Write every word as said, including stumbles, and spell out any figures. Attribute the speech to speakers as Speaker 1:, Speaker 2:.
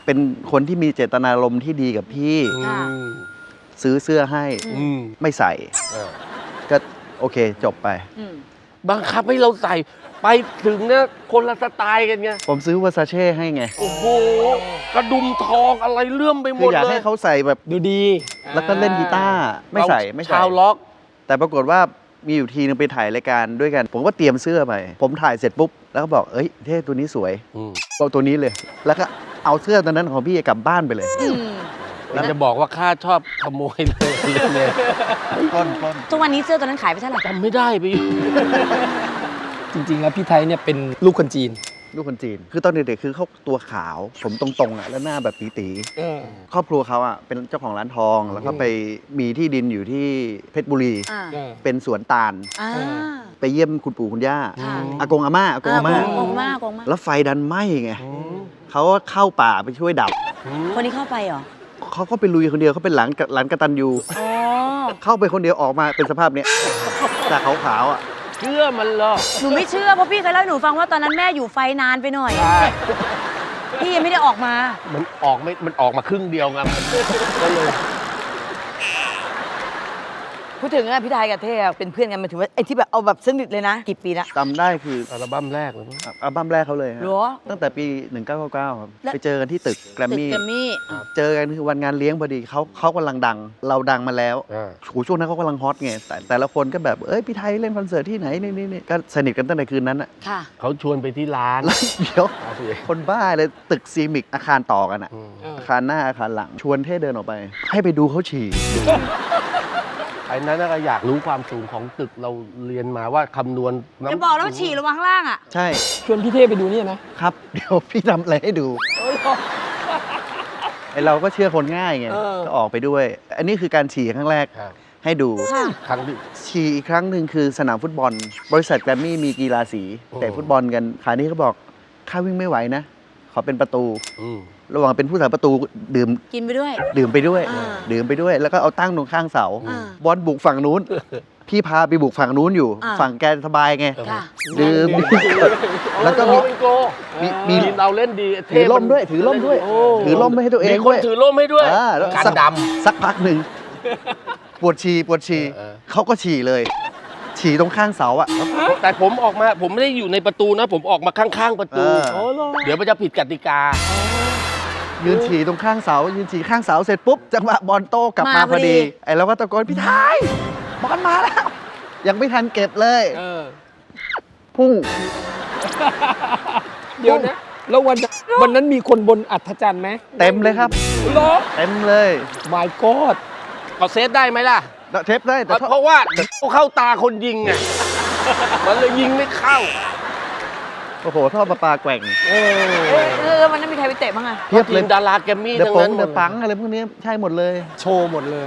Speaker 1: เป็นคนที่มีเจตนารมณ์ที่ดีกับพี่ซื้อเสื้อให้ไม่ใส่ก็โอเคจบไป
Speaker 2: บังคับให้เราใส่ไปถึงเนี่ยคนละสไตล์กันไง
Speaker 1: ผมซื้อวาซาเช่ให้ไง
Speaker 2: โอ้โหกระดุมทองอะไรเลื่อมไปหมดเลย
Speaker 1: อยากให้เขาใส่แบบ
Speaker 3: ดูดี
Speaker 1: แล้วก็เล่นกีตาร์ไม่ใส่ไม่ใส่
Speaker 2: ชาวล็อก
Speaker 1: แต่ปรากฏว่ามีอยู่ทีนึงไปถ่ายรายการด้วยกันผมก็เตรียมเสื้อไปผมถ่ายเสร็จปุ๊บแล้วก็บอกเอ้ยเท่ตัวนี้สวยเอาตัวนี้เลยแล้วก็เอาเสื้อตัวนั้นของพี่กลับบ้านไปเลย
Speaker 2: เราจะบอกว่าข้าชอบขโมยเลยเลย
Speaker 1: ต้นต้น
Speaker 4: ทุกวันนี้เสื้อตัวนั้นขายไปเท่าไหร่
Speaker 2: จำไม่ได้ไป
Speaker 3: จริงๆแล้วพี่ไทยเนี่ยเป็นลูกคนจีน
Speaker 1: ลูกคนจีนคือตอนเด็กๆคือเขาตัวขาวผมตรงๆอ่ะแล้วหน้าแบบตีๆครอบครัวเขาอ่ะเป็นเจ้าของร้านทองแล้วก็ไปมีที่ดินอยู่ที่เพชรบุรีเป็นสวนตาลไปเยี่ยมคุณปู่คุณย่าอากงอาม่าอากงอาม่าแล้วไฟดันไหม้ไงเขาก็เข้าป่าไปช่วยดับ
Speaker 4: คนนี้เข้าไปเหรอ
Speaker 1: เขาก็ไปลุยคนเดียวเขาเป็นหลานหลานกตัญญูเข้าไปคนเดียวออกมาเป็นสภาพเนี้ยจากขาวๆอ่ะ
Speaker 2: เชื่อมันเหรอ
Speaker 4: หนูไม่เชื่อเพราะพี่เคยเล่าให้หนูฟังว่าตอนนั้นแม่อยู่ไฟนานไปหน่อยพี่ยังไม่ได้ออกมา
Speaker 2: มันออกไม่มันออกมาครึ่งเดียวไงก็เลย
Speaker 4: พูดถึงอะพี่ไทยกับเท่เป็นเพื่อนกันมาถึงว่าไอ้ที่แบบเอาแบบสนิทเลยนะกี่ปีละ
Speaker 1: จำได้คือ
Speaker 2: อัลบั้มแรกเลย
Speaker 1: อัลบั้มแรกเขาเลยฮะตั้งแต่ปีหนึ่งเก้าเก้าเก้าครับไปเจอกันที่ตึกแกรมมี่เจอกันคือวันงานเลี้ยงพอดีเขาเขากำลังดังเราดังมาแล้วโหช่วงนั้นเขากำลังฮอตไงแต่แต่ละคนก็แบบเอ้ยพี่ไทยเล่นคอนเสิร์ตที่ไหนนี่นี่ก็สนิทกันตั้งแต่คืนนั้นอะ
Speaker 2: เขาชวนไปที่ร้าน
Speaker 1: เดี๋ยวคนบ้าเลยตึกซีมิกอาคารต่อกันอะอาคารหน้าอาคารหลังชวนเท่เดินออกไปให้ไปดูเขาฉี่
Speaker 2: ไอ้นั้นก็อยากรู้ความสูงของตึกเราเรียนมาว่าคำนวณ
Speaker 4: จะบอกแล้วฉี่ลงมาข้างล่างอ่ะ
Speaker 1: ใช่
Speaker 3: ชวนพี่เท่ไปดูนี่นะครับ
Speaker 1: เดี๋ยวพี่ทำอะไรให้ดูไอเราก็เชื่อคนง่ายไงก็ออกไปด้วยอันนี้คือการฉี่ครั้งแรกให้ดู
Speaker 2: ครั้งที่
Speaker 1: ฉี่อีกครั้งหนึ่งคือสนามฟุตบอลบริษัทแกรมมี่มีกีฬาสีแต่ฟุตบอลกันคราวนี้เขาบอกข้าวิ่งไม่ไหวนะขอเป็นประตูระหว่างเป็นผู้สาประตูดื่ม
Speaker 4: กินไปด้วย
Speaker 1: ดื่มไปด้วยดื่มไปด้วยแล้วก็เอาตั้งตรงข้างเสาบอลบุกฝั่งนู้นพี่พาไปบุกฝั่งนู้นอยู่ฝั่งแกสบายไงดื่มแล้วก็มี
Speaker 2: มีเราเล่นดี
Speaker 1: ถือล่มด้วยถือล่มด้วยถือล่มไม่ให้ตัวเอง
Speaker 2: มีคนถือล่มให้ด้วย
Speaker 1: กันดำสักพักหนึ่งปวดฉี่ปวดฉี่เขาก็ฉี่เลยฉี่ตรงข้างเสาอะ
Speaker 2: แต่ผมออกมาผมไม่ได้อยู่ในประตูนะผมออกมาข้างๆประตูเดี๋ยวมันจะผิดกติกา
Speaker 1: ยืนฉี่ตรงข้างเสายืนฉี่ข้างเสาเสร็จปุ๊บจังหวะบอลโต้กลับมาพอดีไอ้เราก็ตะโกนพี่ไทยบอลมาแล้วยังไม่ทันเก็บเลยพุ่ง
Speaker 3: เดี๋ยวนะแล้ววันวันนั้นมีคนบนอัฐจันทร์ไหม
Speaker 1: เต็มเลยครับเต็มเลย
Speaker 3: my god
Speaker 2: เอาเซฟได้ไหมล่ะ
Speaker 1: เทปได้
Speaker 2: แต่เพราะว่าเข้าตาคนยิงไงมันเลยยิงไม่เข้า
Speaker 1: โอ้โหท่อประปาแกว่ง
Speaker 4: เออมันนั้นมีใครไปเตะบ้างอะ
Speaker 2: เพียบเลยดาราแกรมมี่
Speaker 1: ทั้งนั้นเดอะปังอะไรพวกนี้ใช่หมดเลย
Speaker 3: โชว์หมดเลย